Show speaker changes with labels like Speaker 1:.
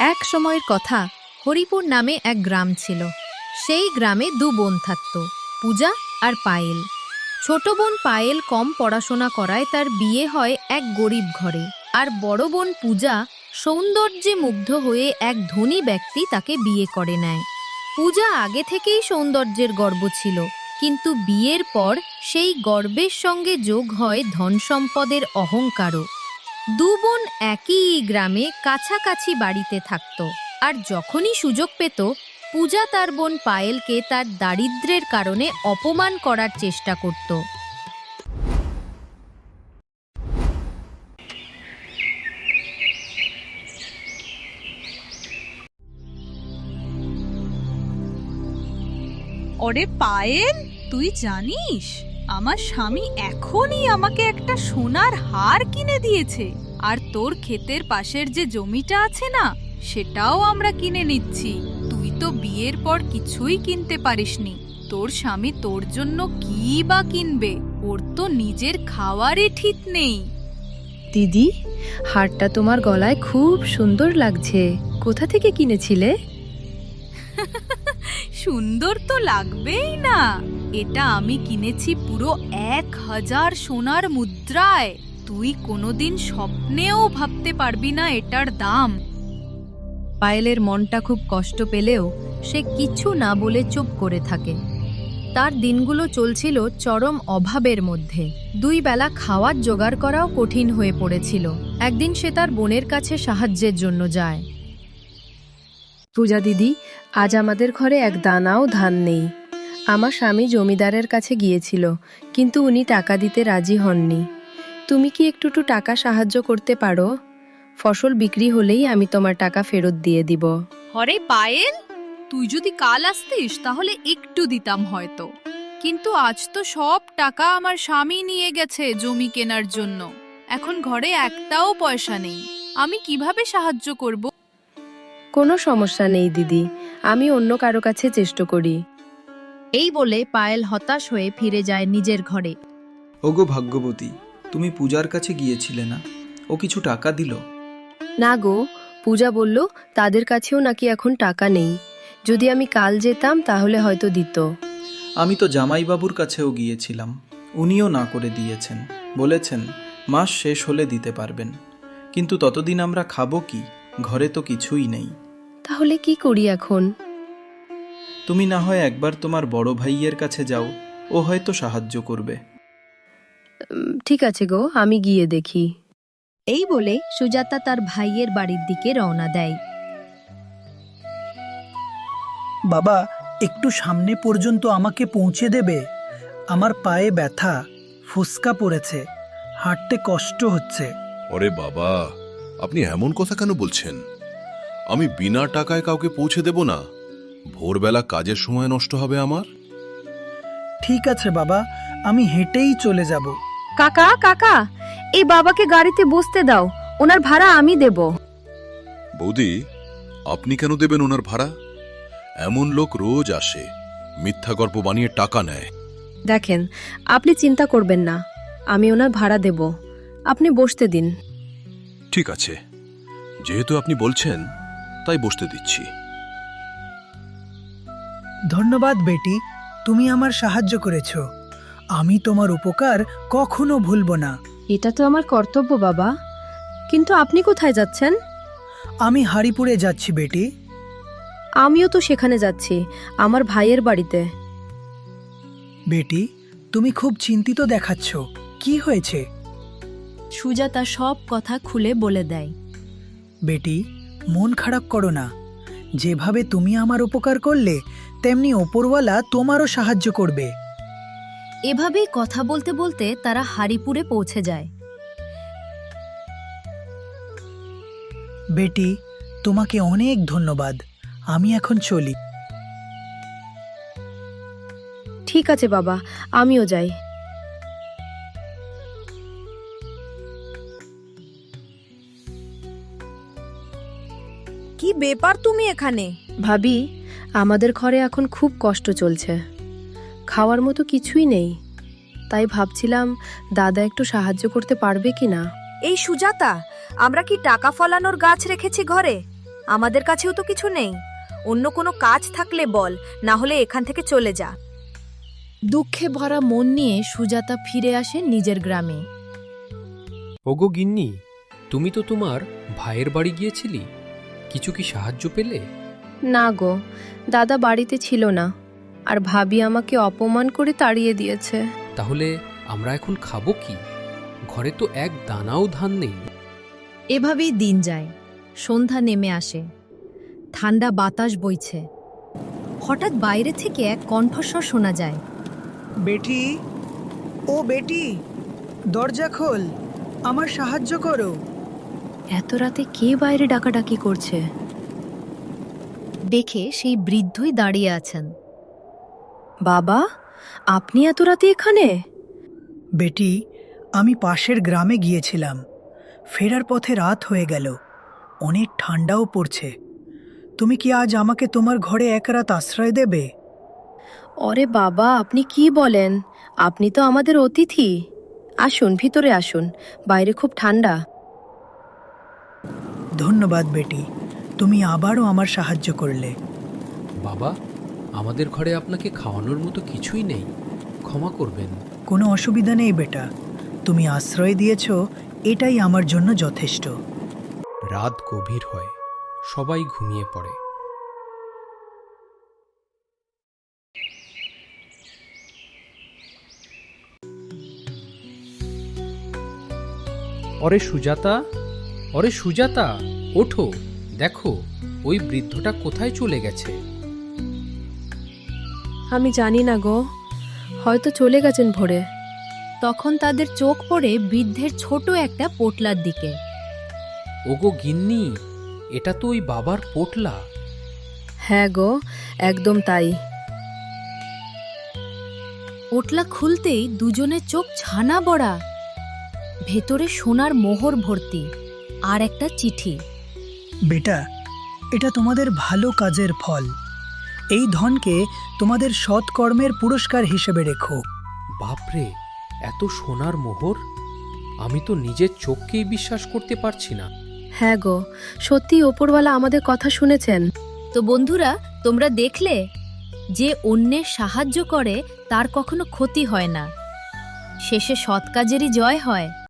Speaker 1: এক সময়ের কথা, হরিপুর নামে এক গ্রাম ছিল। সেই গ্রামে দু বোন থাকত, পূজা আর পায়েল। ছোট বোন পায়েল কম পড়াশোনা করায় তার বিয়ে হয় এক গরিব ঘরে, আর বড় বোন পূজা সৌন্দর্যে মুগ্ধ হয়ে এক ধনী ব্যক্তি তাকে বিয়ে করে নেয়। পূজা আগে থেকেই সৌন্দর্যের গর্ব ছিল, কিন্তু বিয়ের পর সেই গর্বের সঙ্গে যোগ হয় ধন সম্পদের অহংকারও। দু বোন একই গ্রামে কাছাকাছি বাড়িতে থাকত, আর যখনই সুযোগ পেত পূজা তার বোন পায়েলকে তার দারিদ্র্যের কারণে অপমান করার চেষ্টা করত।
Speaker 2: ওরে পায়েল, তুই জানিস আমার স্বামী এখনই আমাকে একটা সোনার হার কিনে দিয়েছে, আর তোর ক্ষেতের পাশের যে জমিটা আছে না, সেটাও আমরা কিনে নিচ্ছি। তুই তো বিয়ের পর কিছুই কিনতে পারিসনি, তোর স্বামী তোর জন্য কি বা কিনবে? ওর তো নিজের খাওয়ারই ঠিক নেই।
Speaker 3: দিদি, হারটা তোমার গলায় খুব সুন্দর লাগছে। কোথা থেকে কিনেছিলে?
Speaker 2: সুন্দর তো লাগবেই না, এটা আমি কিনেছি পুরো 1000 সোনার মুদ্রায়। তুই কোনোদিন স্বপ্নেও ভাবতে পারবি না এটার দাম।
Speaker 1: পায়েলের মনটা খুব কষ্ট পেলেও সে কিছু না বলে চুপ করে থাকে। তার দিনগুলো চলছিল চরম অভাবের মধ্যে। দুই বেলা খাওয়ার জোগাড় করাও কঠিন হয়ে পড়েছিল। একদিন সে তার বোনের কাছে সাহায্যের জন্য যায়।
Speaker 3: পূজা দিদি, আজ আমাদের ঘরে এক দানাও ধান নেই। আমার স্বামী জমিদারের কাছে গিয়েছিল, কিন্তু উনি টাকা দিতে রাজি হননি। তুমি কি একটু টাকা সাহায্য করতে পারো? ফসল বিক্রি হলেই আমি তোমার টাকা ফেরত দিয়ে দিব।
Speaker 2: হরে পায়েল, তুই যদি কাল আসতিস তাহলে একটু দিতাম হয়তো, কিন্তু আজ তো সব টাকা আমার স্বামী নিয়ে গেছে জমি কেনার জন্য। এখন ঘরে একটাও পয়সা নেই, আমি কিভাবে সাহায্য করব?
Speaker 3: কোনো সমস্যা নেই দিদি, আমি অন্য কারো কাছে চেষ্টা করি।
Speaker 1: এই বলে পায়েল হতাশ হয়ে ফিরে যায় নিজের ঘরে।
Speaker 4: ওগো ভাগ্যবতী, তুমি পূজার কাছে গিয়েছিলে না? ও কিছু টাকা দিল?
Speaker 3: না গো, পূজা বলল তাদের কাছেও নাকি এখন টাকা নেই। যদি আমি কাল যেতাম তাহলে হয়তো দিত।
Speaker 4: আমি তো জামাইবাবুর কাছেও গিয়েছিলাম, উনিও না করে দিয়েছেন। বলেছেন মাস শেষ হলে দিতে পারবেন, কিন্তু ততদিন আমরা খাবো কি? ঘরে তো কিছুই নেই।
Speaker 3: তাহলে কি করি এখন?
Speaker 4: তুমি না হয় একবার তোমার বড় ভাইয়ের কাছে যাও, ও হয়তো সাহায্য করবে।
Speaker 3: ঠিক আছে গো, আমি গিয়ে দেখি।
Speaker 1: এই বলে সুজাতা তার ভাইয়ের বাড়ির দিকে রওনা দেয়।
Speaker 5: বাবা, একটু সামনে পর্যন্ত আমাকে পৌঁছে দেবে? আমার পায়ে ব্যথা, ফুসকা পড়েছে, হাঁটতে কষ্ট হচ্ছে।
Speaker 6: ওরে বাবা, আপনি এমন কথা কেন বলছেন? আমি বিনা টাকায় কাউকে পৌঁছে দেব না। ভোরবেলা কাজের সময় নষ্ট হবে আমার।
Speaker 5: ঠিক আছে বাবা, আমি হেঁটেই চলে যাব।
Speaker 3: কাকা কাকা, এই বাবাকে গাড়িতে বসতে দাও, ওনার ভাড়া আমি দেব।
Speaker 6: বৌদি, আপনি কেন দেবেন ওনার ভাড়া? এমন লোক রোজ আসে, মিথ্যা গল্প বানিয়ে টাকা নেয়।
Speaker 3: দেখেন, আপনি চিন্তা করবেন না, আমি ওনার ভাড়া দেব। আপনি বসতে দিন।
Speaker 6: ঠিক আছে, যেহেতু আপনি বলছেন তাই বসতে দিচ্ছি।
Speaker 5: ধন্যবাদ বেটি, তুমি আমার সাহায্য করেছ। আমি তোমার উপকার কখনো ভুলব না।
Speaker 3: এটা তো আমার কর্তব্য বাবা, কিন্তু আপনি কোথায় যাচ্ছেন?
Speaker 5: আমি হারিপুরে যাচ্ছি বেটি।
Speaker 3: আমিও তো সেখানে যাচ্ছি, আমার ভাইয়ের বাড়িতে।
Speaker 5: বেটি, তুমি খুব চিন্তিত দেখাচ্ছ, কি হয়েছে?
Speaker 1: সুজাতা সব কথা খুলে বলে দেয়।
Speaker 5: বেটি, মন খারাপ করো না। যেভাবে তুমি আমার উপকার করলে, তেমনি ওপরওয়ালা তোমারও সাহায্য করবে।
Speaker 1: এভাবেই কথা বলতে বলতে তারা হারিপুরে পৌঁছে যায়।
Speaker 5: বেটি, তোমাকে অনেক ধন্যবাদ। আমি এখন চলি।
Speaker 3: ঠিক আছে বাবা, আমিও যাই।
Speaker 7: কি ব্যাপার তুমি এখানে?
Speaker 3: ভাবি, আমাদের ঘরে এখন খুব কষ্ট চলছে, খাওয়ার মতো কিছুই নেই। তাই ভাবছিলাম দাদা একটু সাহায্য করতে পারবে কিনা।
Speaker 7: এই সুজাতা, আমরা কি টাকা ফলানোর গাছ রেখেছি ঘরে? আমাদের কাছেও তো কিছু নেই। অন্য কোনো কাজ থাকলে বল, না হলে এখান থেকে চলে যা।
Speaker 1: দুঃখে ভরা মন নিয়ে সুজাতা ফিরে আসে নিজের গ্রামে।
Speaker 8: ওগো গিন্নি, তুমি তো তোমার ভাইয়ের বাড়ি গিয়েছিলি, কিছু কি সাহায্য পেলে?
Speaker 3: না গো, দাদা বাড়িতে ছিল না, আর ভাবি আমাকে অপমান করে তাড়িয়ে দিয়েছে।
Speaker 8: তাহলে আমরা এখন খাবো কি? ঘরে তো এক দানাও ধান নেই।
Speaker 1: এভাবেই দিন যায়। সন্ধ্যা নেমে আসে, ঠান্ডা বাতাস বইছে। হঠাৎ বাইরে থেকে এক কণ্ঠস্বর শোনা যায়।
Speaker 5: বেটি, ও বেটি, দরজা খোল, আমার সাহায্য করো।
Speaker 3: এত রাতে কে বাইরে ডাকাডাকি করছে?
Speaker 1: দেখে সেই বৃদ্ধই দাঁড়িয়ে আছেন।
Speaker 3: বাবা, আপনি এত রাতে এখানে?
Speaker 5: বেটি, আমি পাশের গ্রামে গিয়েছিলাম। ফেরার পথে রাত হয়ে গেল, অনেক ঠান্ডাও পড়ছে। তুমি কি আজ আমাকে তোমার ঘরে এক রাত আশ্রয় দেবে?
Speaker 3: ওরে বাবা, আপনি কি বলেন? আপনি তো আমাদের অতিথি। আসুন, ভিতরে আসুন, বাইরে খুব ঠান্ডা।
Speaker 5: ধন্যবাদ বেটি, তুমি আবারও আমার সাহায্য করলে।
Speaker 8: বাবা, আমাদের ঘরে আপনাকে খাওয়ানোর মতো কিছুই নেই, ক্ষমা করবেন।
Speaker 5: কোনো অসুবিধা নেই বেটা, তুমি আশ্রয় দিয়েছ, এটাই আমার জন্য যথেষ্ট।
Speaker 8: রাত গভীর হয়, সবাই ঘুমিয়ে পড়ে। অরে সুজাতা, অরে সুজাতা, ওঠো, দেখো ওই বৃদ্ধটা কোথায় চলে গেছে।
Speaker 3: আমি জানি না গো, হয়তো চলে গেছেন ভোরে।
Speaker 1: তখন তাদের চোখ পড়ে বৃদ্ধের ছোট একটা পোটলার দিকে।
Speaker 8: ওগো গিন্নি, এটা তো ওই বাবার পোটলা।
Speaker 3: হ্যাঁ গো, একদম তাই।
Speaker 1: পোটলা খুলতেই দুজনের চোখ ছানা বড়া। ভেতরে সোনার মোহর ভর্তি আর একটা চিঠি।
Speaker 5: বেটা, এটা তোমাদের ভালো কাজের ফল। এই ধনকে তোমাদের সৎকর্মের পুরস্কার হিসেবে রেখো।
Speaker 8: বাপরে, এত সোনার মোহর! আমি তো নিজের চোখকেই বিশ্বাস করতে পারছি না।
Speaker 3: হ্যাঁ গো, সত্যি ওপরওয়ালা আমাদের কথা শুনেছেন।
Speaker 1: তো বন্ধুরা, তোমরা দেখলে যে অন্যের সাহায্য করে তার কখনো ক্ষতি হয় না, শেষে সৎ কাজেরই জয় হয়।